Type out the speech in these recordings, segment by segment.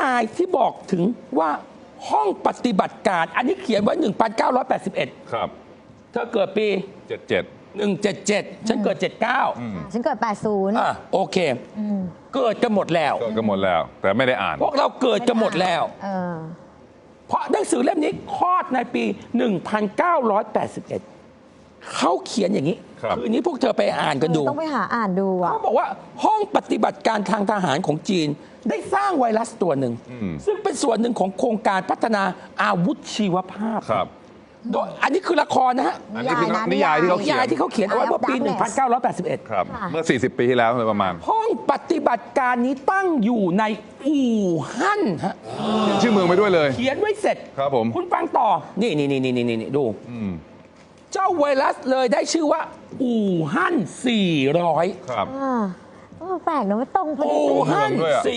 ายที่บอกถึงว่าห้องปฏิบัติการอันนี้เขียนไว้ 1981 ครับเธอเกิดปี 77 177 ฉันเกิด 79 ฉันเกิด 80 โอเคเกิดกันหมดแล้วแต่ไม่ได้อ่านพวกเราเกิดกันหมดแล้วเพราะหนังสือเล่มนี้คลอดในปี 1981 เขาเขียนอย่างนี้คืนนี้พวกเธอไปอ่านกันดูต้องไปหาอ่านดูเขาบอกว่าห้องปฏิบัติการทางทหารของจีนได้สร้างไวรัสตัวหนึ่งซึ่งเป็นส่วนหนึ่งของโครงการพัฒนาอาวุธชีวภาพโดยอันนี้คือละครนะฮะอันนี้คือนิยายที่เขาเขียนเอาไว้เมื่อปี 1981 ครับเมื่อ40 ปีที่แล้วเลยประมาณห้องปฏิบัติการนี้ตั้งอยู่ในอู่ฮั่นฮะชื่อเมืองไปด้วยเลยเขียนไว้เสร็จครับผมคุณฟังต่อนี่ดูเจ้าไวรัสเลยได้ชื่อว่าอู่ฮั่น400 ครับแปลกนะไม่ตรงพอดีอู่ฮั่น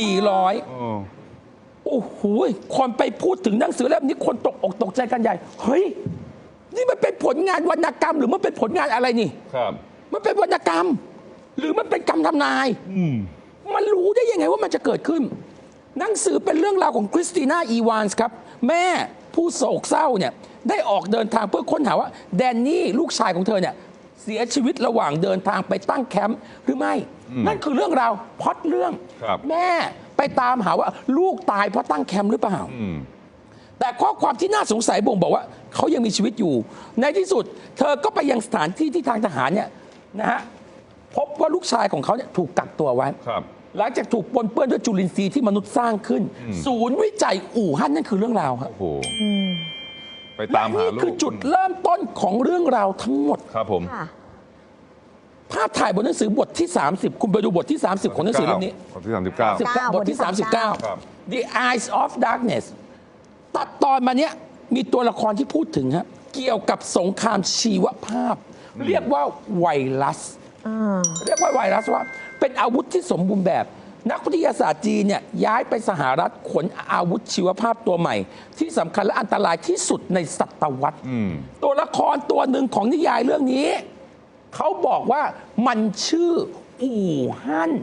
400โอ้โหคนไปพูดถึงหนังสือเล่มนี้คนตกอกตกใจกันใหญ่เฮ้ยนี่มันเป็นผลงานวรรณกรรมหรือมันเป็นผลงานอะไรนี่ครับมันเป็นวรรณกรรมหรือมันเป็นคำทำนายมันรู้ได้ยังไงว่ามันจะเกิดขึ้นหนังสือเป็นเรื่องราวของคริสติน่าอีวานส์ครับแม่ผู้โศกเศร้าเนี่ยได้ออกเดินทางเพื่อค้นหาว่าแดนนี่ลูกชายของเธอเนี่ยเสียชีวิตระหว่างเดินทางไปตั้งแคมป์หรือไม่นั่นคือเรื่องราวพล็อตเรื่องแม่ไปตามหาว่าลูกตายเพราะตั้งแคมป์หรือเปล่าแต่ข้อความที่น่าสงสัยบ่งบอกว่าเขายังมีชีวิตอยู่ในที่สุดเธอก็ไปยังสถานที่ที่ทางทหารเนี่ยนะฮะพบว่าลูกชายของเขาเนี่ยถูกกักตัวไว้หลังจากถูกปนเปื้อนด้วยจุลินทรีย์ที่มนุษย์สร้างขึ้นศูนย์วิจัยอู่ฮั่นนั่นคือเรื่องราวครับไปตามหาลูกนี่คือจุดเริ่มต้นของเรื่องราวทั้งหมดครับผมภาพถ่ายบนหนังสือบทที่30คุณไปดูบทที่30ของหนังสือเล่มนี้บทที่39 บทที่39 The Eyes of Darkness ตัดตอนมาเนี้ยมีตัวละครที่พูดถึงฮะเกี่ยวกับสงครามชีวภาพเรียกว่าไวรัสว่าเป็นอาวุธที่สมบูรณ์แบบนักวิทยาศาสตร์จีนเนี่ยย้ายไปสหรัฐขนอาวุธชีวภาพตัวใหม่ที่สำคัญและอันตรายที่สุดในศตวรรษตัวละครตัวหนึ่งของนิยายเรื่องนี้เขาบอกว่ามันชื่ออู่ฮั่น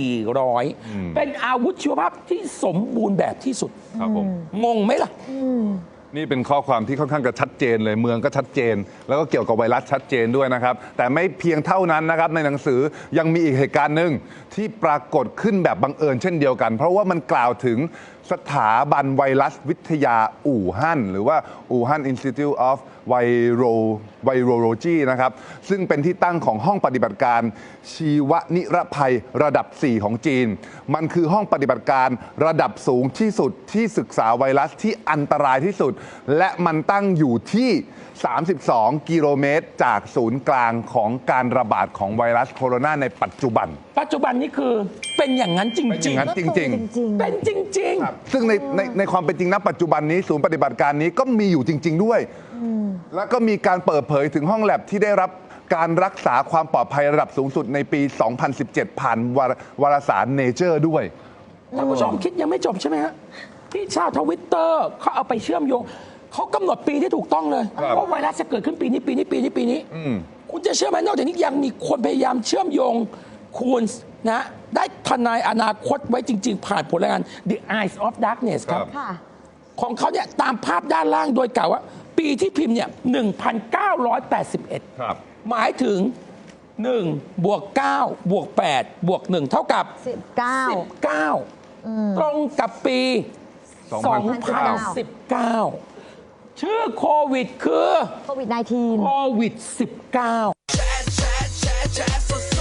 400เป็นอาวุธชีวภาพที่สมบูรณ์แบบที่สุดงงไหมล่ะนี่เป็นข้อความที่ค่อนข้างจะชัดเจนเลยเมืองก็ชัดเจนแล้วก็เกี่ยวกับไวรัสชัดเจนด้วยนะครับแต่ไม่เพียงเท่านั้นนะครับในหนังสือยังมีอีกเหตุการณ์หนึ่งที่ปรากฏขึ้นแบบบังเอิญเช่นเดียวกันเพราะว่ามันกล่าวถึงสถาบันไวรัสวิทยาอู่ฮั่นหรือว่าอู่ฮั่น Institute of Virology นะครับซึ่งเป็นที่ตั้งของห้องปฏิบัติการชีวนิรภัยระดับ 4 ของจีนมันคือห้องปฏิบัติการระดับสูงที่สุดที่ศึกษาไวรัสที่อันตรายที่สุดและมันตั้งอยู่ที่32 กิโลเมตรจากศูนย์กลางของการระบาดของไวรัสโคโรนาในปัจจุบันนี่คือเป็นอย่างนั้นจริงๆเป็นจริงๆซึ่งในความเป็นจริงณปัจจุบันนี้ศูนย์ปฏิบัติการนี้ก็มีอยู่จริงๆด้วยแล้วก็มีการเปิดเผยถึงห้องแลบที่ได้รับการรักษาความปลอดภัยระดับสูงสุดในปี 2017 ผ่านวารสาร Nature ด้วยท่านผู้ชมคิดยังไม่จบใช่ไหมฮะที่ชาวทวิตเตอร์เขาเอาไปเชื่อมโยงเขากำหนดปีที่ถูกต้องเลยว่าไวรัสจะเกิดขึ้นปีนี้คุณจะเชื่อไหมนอกจากนี้ยังมีคนพยายามเชื่อมโยงคุณนะได้ทนายอนาคตไว้จริงๆผ่านผลงาน The Eyes of Darkness ครับของเขาเนี่ยตามภาพด้านล่างโดยกล่าวว่าปีที่พิมพ์เนี่ย 1981 หมายถึง1บวก9บวก8บวก1เท่ากับ19ตรงกับปี2019ชื่อโควิดคือโควิด -19